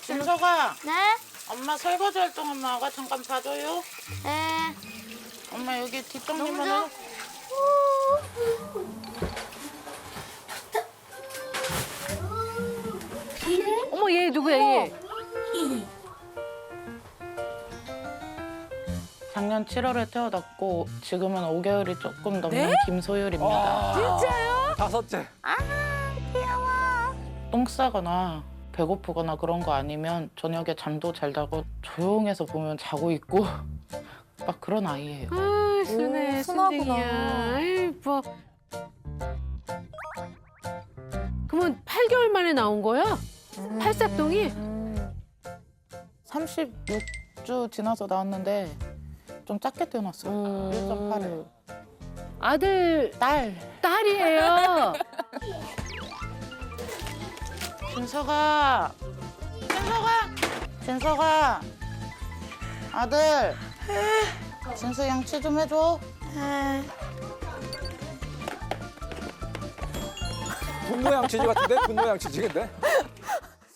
진서가 네? 엄마 설거지 활동 엄마가 잠깐 봐줘요. 네. 엄마 여기 뒷정리만 너무 해. 어머 얘 누구야 얘? 작년 7월에 태어났고 지금은 5개월이 조금 넘는 김소율입니다. 진짜요? 다섯째. 똥 싸거나 배고프거나 그런 거 아니면 저녁에 잠도 잘 자고 조용해서 보면 자고 있고 막 그런 아이예요. 아 순해 순하구나. 순둥이야. 아이 뭐. 그러면 8개월 만에 나온 거야? 팔싹동이? 36주 지나서 나왔는데 좀 작게 태어났어요. 1.8을. 아들 딸. 딸이에요. 진서가. 진서가. 아들. 진서 양치 좀 해줘. 분노양치지 같은데? 분노양치지 근데?